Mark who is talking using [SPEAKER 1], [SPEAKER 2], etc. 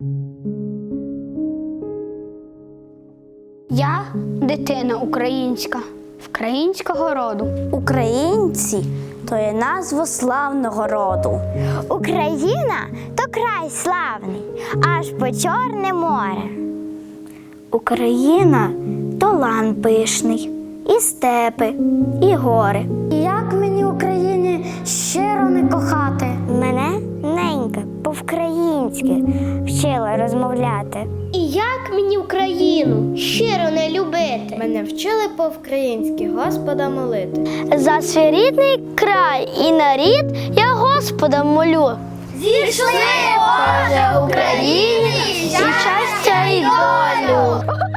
[SPEAKER 1] Я дитина українська, українського роду.
[SPEAKER 2] Українці – то є назва славного роду.
[SPEAKER 3] Україна – то край славний, аж по Чорне море.
[SPEAKER 2] Україна – то лан пишний, і степи, і гори.
[SPEAKER 1] Як мені Україні щиро не кохати?
[SPEAKER 3] Мене ненька по-українськи вчила розмовляти.
[SPEAKER 4] І як мені Україну щиро не любити?
[SPEAKER 5] Мене вчили по-українськи Господа молити.
[SPEAKER 3] За свій рідний край і нарід я Господа молю.
[SPEAKER 4] Зійшли, Боже, Україні, щастя й долю!